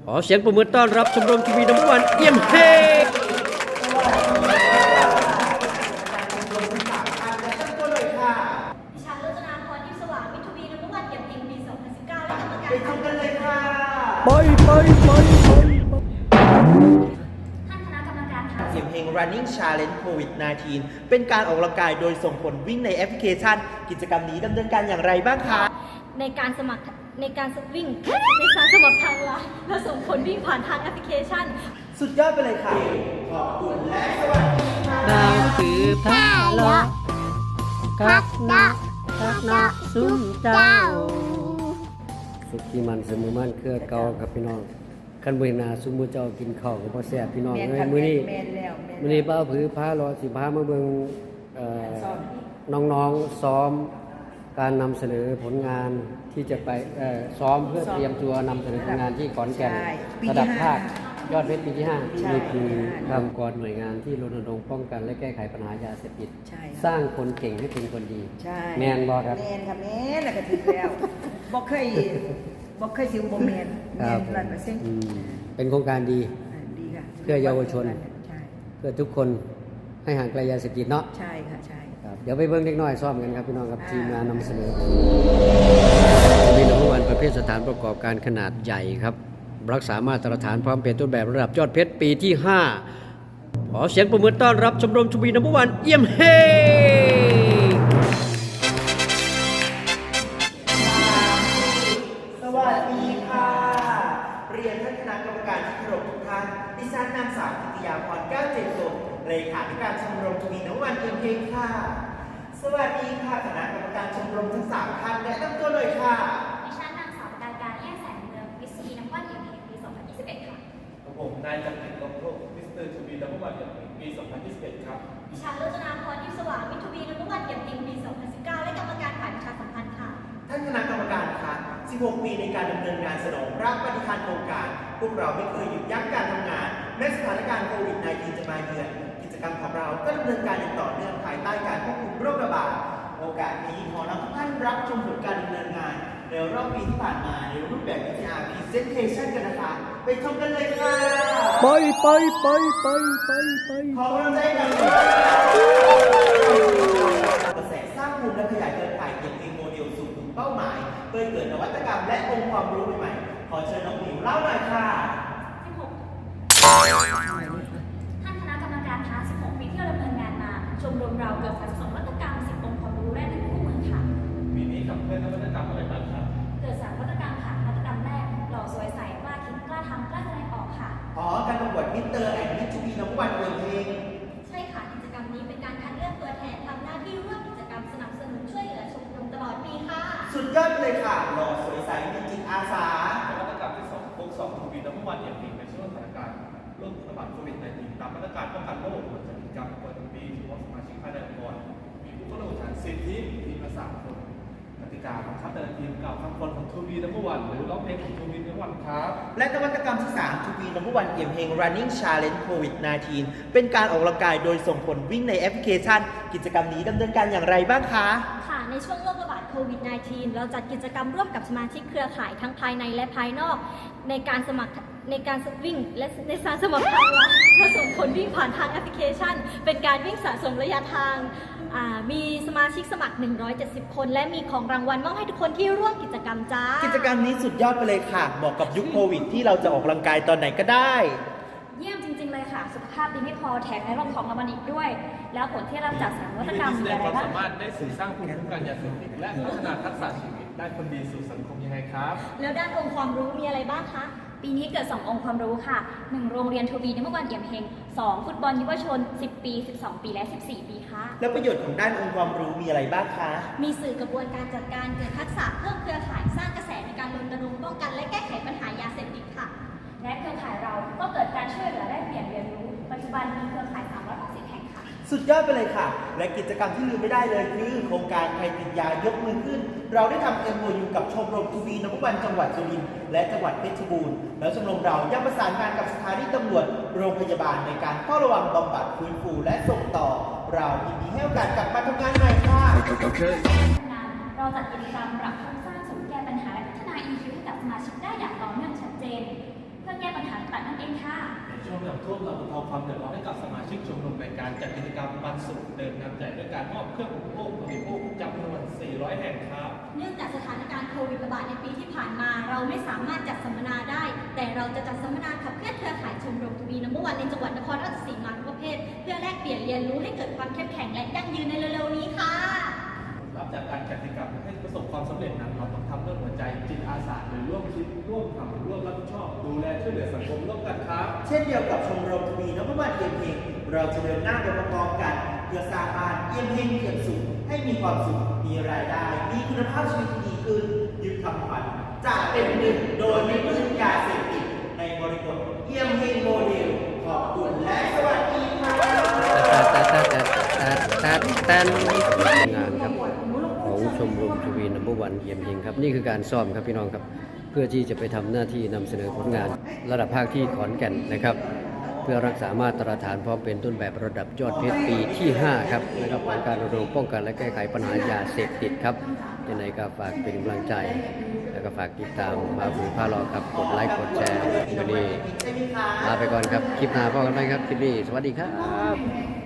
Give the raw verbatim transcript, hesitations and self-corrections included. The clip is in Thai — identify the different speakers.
Speaker 1: ขอเสียงปรบมือต้อนรับชมรมทีวีน้ำวันเอี่ยมเฮง
Speaker 2: ดิฉันรจนาพรทิพย์สว่างมิตรวีน้ำวันเอี่ยมเฮงปี สองพันสิบเก้า และกรรมการ
Speaker 3: ไปทำกันเลยค่ะ
Speaker 1: ไปไปไปไป
Speaker 2: ท่านคณะกรรมการคะ
Speaker 3: เอี่ยมเฮง running challenge โควิด สิบเก้า เป็นการออกกำลังกายโดยส่งผลวิ่งในแอปพลิเคชัน กิจกรรมนี้ดำเนินการอย่างไรบ้างคะ
Speaker 2: ในการสมัครในการวิ่งในการสมัครทางไลน์และส่งผลวิ่งผ่านทางแอปพลิเคชัน
Speaker 3: สุดยอดไปเลยค่ะ ขอบคุณและสวัสดีค่ะ
Speaker 1: ดาวถือผ้าล้อคักนะคักนะซุ้มเจ้าสุขีมันสมุมันเครือเก่าครับพี่น้องคันเวนาซุ้มมือเจ้ากินข้าวกับพ่อแซ่บพี่น้องเลยมื้อนี้มื้อนี้ป้าผือผ้าล้อสิพามาเบิ่งเอ่อน้องๆซ้อมการนำเสนอผลงานที่จะไปเอ่อซ้อมเพื่อเตรียมตัวนำเสนอผลงานที่ขอนแก่นระดับภาคยอดเพชรปีที่ห้านี่คือองค์กรหน่วยงานที่รณรงค์ป้องกันและแก้ไขปัญหายาเสพติดสร้างคนเก่งให้เป็นคนดี
Speaker 4: ใช่
Speaker 1: แมนบอครับ
Speaker 4: แมนค่ะแมนแล้วก็ถึงแล้วบ่เคยบ่เคยสิวบ่แมนแมนร้อยเปอร์เซ็นต์
Speaker 1: อืมเป็นโครงการดี
Speaker 4: ดีค่ะ
Speaker 1: เพื่อเยาวชน
Speaker 4: ใช่
Speaker 1: เพื่อทุกคนให้ห่างไกลยาเสพติดเนาะ
Speaker 4: ใช่ค่ะใช่
Speaker 1: ครับเดี๋ยวไปเบิ้งเล็กน้อยซ้อมกันครับพี่น้องครับทีมงานนำเสนอมีน้ำวันประเภทสถานประกอบการขนาดใหญ่ครับรักษามาตรฐานพร้อมเป็นต้นแบบระดับยอดเพชรปีที่ห้าขอเสียงปรบมือต้อนรับชมรมทวีน้ำวันเอี่ยมเฮง
Speaker 3: สวัสดีค่ะ เรียนท่านคณะกรรมการที่เคารพทุกท่าน ดิฉันนางสาวกิติยาพรแก้วเจริญสดเลขาธิการชมรมทวีน้ำวันเอี่ยมเฮงค่ะ สวัสดีค่ะคณะกรรมการชมรมทั้งสามท่านแนะนำตัวเลยค่ะ
Speaker 2: ดิฉันนางสาวปการการแย่แสงเมืองมิสซีน้ำวันเอี่ยมเฮงปี สองพันยี่สิบเอ็ด ค่ะ
Speaker 5: ผมนายจักริดลมโลกมิสเตอร์ทูบีดับเบิลวันอย่างปี สองพันยี่สิบเอ็ด ครับ
Speaker 2: ดิฉันรจนาพรทิพย์สว่างมิตรวีน้ำวันเอี่ยมเฮงปี สองพันสิบเก้า และกรรมการฝ่ายประชาสัมพันธ์ค่ะ
Speaker 3: ท่านคณะกรรมการคะสิบหก ปีในการดำเนินงานสนองพระปฏิภาณโครงการ พวกเราไม่เคยหยุดยั้งการทำงาน แม้สถานการณ์โควิด สิบเก้า จะมาเยือน กิจกรรมของเราก็ดำเนินการอย่างต่อเนื่องภายใต้การควบคุมโรคระบาด โอกาสนี้ขอนำทุกท่านรับชมผลการดำเนินงานในรอบปีที่ผ่านมาในรูปแบบ วี ที อาร์ Presentation กันนะคะ ไปชมกันเลยค่ะ
Speaker 1: ไปไปไปไปไปไป
Speaker 3: ขอกำลังใจกันเลยกระแสสร้างภูมิและขยายเครือข่ายเกี่ยวกับโมเดลสู่กลุ่มเป้าหมายเพื่อเกิดนวัตกรรมและองค์ความรู้ใหม่ๆ ขอเชิญน้องหมิวเล่าหน่อยค่ะ
Speaker 2: สิบหก ท่านคณะกรรมการคะสิบหก ปีที่เราดำเนินงานมา ชมรมเราเกิดสะสมนวัตกรรม สิบ องค์ความรู้และหนึ่งคู่มือค่ะ
Speaker 5: ปีนี้ขับเคลื่อนนวัตกรรมอะไรบ้างครับ
Speaker 2: เกิดสามนวัตกรรมค่ะนวัตกรรมแรกหล่อสวยใสกล้าคิดกล้าทำกล้าแสดงออกค่ะ
Speaker 3: อ๋อ การประกวดมิสเตอร์แอนด์มิสทูบีน้องวันเอิงเอง
Speaker 2: ใช่ค่ะกิจกรรมนี้เป็นการคัดเลือกตัวแทนทำหน้าที่ร่วมกิจกรรมสนับสนุนช่วยเหลือชมรมตลอดปีค่ะ
Speaker 3: สุดยอดไปเลยค่ะหล่อสวยใสมีจิตอาสา
Speaker 5: นวัตกรรมที่สองโคกสองทูบีดับเบิลวันอย่างปีในช่วงสถานการณ์โรคระบาดโควิด สิบเก้า ตามมาตรการป้องกันโรคผลจากกิจกรรมประจำปีที่ว่าสมาชิกภายในองค์กรมีผู้เข้าร่วมแข่งขันสิบทีมทีมละสามคนกติกาของคัดแต่ละทีมกล่าวคำคนของทูบีดับเบิลวันหรือร้องเพลงของทูบีดับเบิลวันครับ
Speaker 3: และนวัตกรรมที่สาม ทู บี น้ำวันเอี่ยมเฮง running challenge โควิด สิบเก้า เป็นการออกกำลังกายโดยส่งผลวิ่งในแอปพลิเคชัน กิจกรรมนี้ดำเนินการอย่างไรบ้างคะ
Speaker 2: ค่ะในช่วงโรคระบาดโควิด สิบเก้า เราจัดกิจกรรมร่วมกับสมาชิกเครือข่ายทั้งภายในและภายนอก ในการสมัครในการวิ่งและในการสมัครทางไลน์และส่งผลวิ่งผ่านทางแอปพลิเคชัน เป็นการวิ่งสะสมระยะทางอ่ามีสมาชิกสมัคร หนึ่งร้อยเจ็ดสิบ คน และมีของรางวัลมอบให้ทุกคนที่ร่วมกิจกรรมจ้า
Speaker 3: กิจกรรมนี้สุดยอดไปเลยค่ะเหมาะกับยุคโควิดที่เราจะออกกำลังกายตอนไหนก็ได้
Speaker 2: เยี่ยมจริง ๆ เลยค่ะ สุขภาพดีไม่พอแถมในร่องของรางวัลอีกด้วย แล้วผลที่รับจากสามนวัตกรรม
Speaker 5: แส
Speaker 2: มี
Speaker 5: ดง
Speaker 2: อะไร
Speaker 5: ความ
Speaker 2: บ้าง
Speaker 5: สามารถได้สื่อสร้างภูมิคุ้มกันยาเสพติดและพัฒนาทักษะชีวิตได้คนดีสู่สังคมยังไงครับ
Speaker 2: แล้วด้านองค์ความรู้มีอะไรบ้างคะ ปีนี้เกิด สอง องค์ความรู้ค่ะ หนึ่ง โรงเรียนทวีน้ำวันเอี่ยมเฮง สอง ฟุตบอลเยาวชน สิบ ปี สิบสอง ปี และ สิบสี่ ปีค่ะ
Speaker 3: แล้วประโยชน์ของด้านองค์ความรู้มีอะไรบ้างคะ
Speaker 2: มีสื่อกระบวนการจัดการเกิดทักษะเพิ่มเครือข่ายสร้างกระแสในการรณรงค์ป้องกันและแก้ไขปัญหายาเสพติดค่ะ และเครือข่ายเราก็เกิดการช่วยเหลือและเปลี่ยนเรียนรู้ ปัจจุบันมีเครือข่าย สามร้อยหกสิบ แห่งค่ะ
Speaker 3: สุดยอดไปเลยค่ะ และกิจกรรมที่ลืมไม่ได้เลยคือโครงการใครติดยายกมือขึ้น เราได้ทำ เอ็ม โอ ยู กับชมรมทูบีน้ำวันจังหวัดสุรินทร์และจังหวัดเพชรบูรณ์แล้วชมรมเรายังประสานงานกับสถานีตำรวจโรงพยาบาลในการเฝ้าระวังบำบัดฟื้นฟูและส่งต่อ เรายินดีให้โอกาสกลับมาทำงานใหม่ค่ะ
Speaker 2: เราจัดกิจกรรมปรับโครงสร้างศูนย์แก้ปัญหาและพัฒนา อี คิว ให้กับสมาชิกได้อย่างต่อเนื่องชัดเจน เพื่อรินทร์ค่ะ
Speaker 5: ในช่วงน้ำท่วมเราบรรเทาความเดือดร้อนให้กับสมาชิกชมรมในการจัดกิจกรรมปันสุขเดินน้ำใจด้วยการมอบเครื่องอุปโภคบริโภคจำนวน สี่ร้อย แห่งครับ
Speaker 2: เนื่องจากสถานการณ์โควิดระบาดในปีที่ผ่านมา เราไม่สามารถจัดสัมมนาได้ แต่เราจะจัดสัมมนาขับเคลื่อนเครือข่ายชมรมทวีนัมเบอร์วันในจังหวัดนครราชสีมาทุกประเภท เพื่อแลกเปลี่ยนเรียนรู้ให้เกิดความเข้มแข็งและยั่งยืนในเร็วๆนี้ค่ะ
Speaker 5: รับจากการจัดกิจกรรมให้ประสบความสำเร็จนั้นเราต้องทำด้วยหัวใจจิตอาสาหรือร่วมคิดร่วมทำร่วมรับผิดชอบ ดูแลช่วยเหลือสังคมร่วมกันครับ
Speaker 3: เช่นเดียวกับชมรมทวีนพวันเอี่ยมเฮงเราจะเดินหน้าไปพร้อมๆกัน เพื่อสร้างบ้านเอี่ยมเฮงเอี่ยมสุขให้มีความสุข มีรายได้ มีคุณภาพชีวิตที่ดีขึ้น ยึดคำขวัญจะเป็นหนึ่งโดยไม่พึ่งยาเสพติดในบริบทเอี่ยมเฮงโมเดล ขอบคุณและสวัสดีค่ะ
Speaker 1: ตาตาตาตาตาตางานครับของชมรมทวีนัมเบอร์วันเยี่ยมยิงครับนี่คือการซ้อมครับพี่น้องครับเพื่อที่จะไปทำหน้าที่นำเสนอผลงานระดับภาคที่ขอนแก่นนะครับ เพื่อรักษามาตรฐานพร้อมเป็นต้นแบบระดับยอดเพชรปีที่ห้าครับนะครับของการรณรงค์ป้องกันและแก้ไขปัญหายาเสพติดครับยังไงก็ฝากเป็นกำลังใจ แล้วก็ฝากติดตามมาบุญพาลอครับกดไลค์กดแชร์วันนี้ลาไปก่อนครับคลิปหน้าพบกันไหมครับคลิปนี้สวัสดีครับ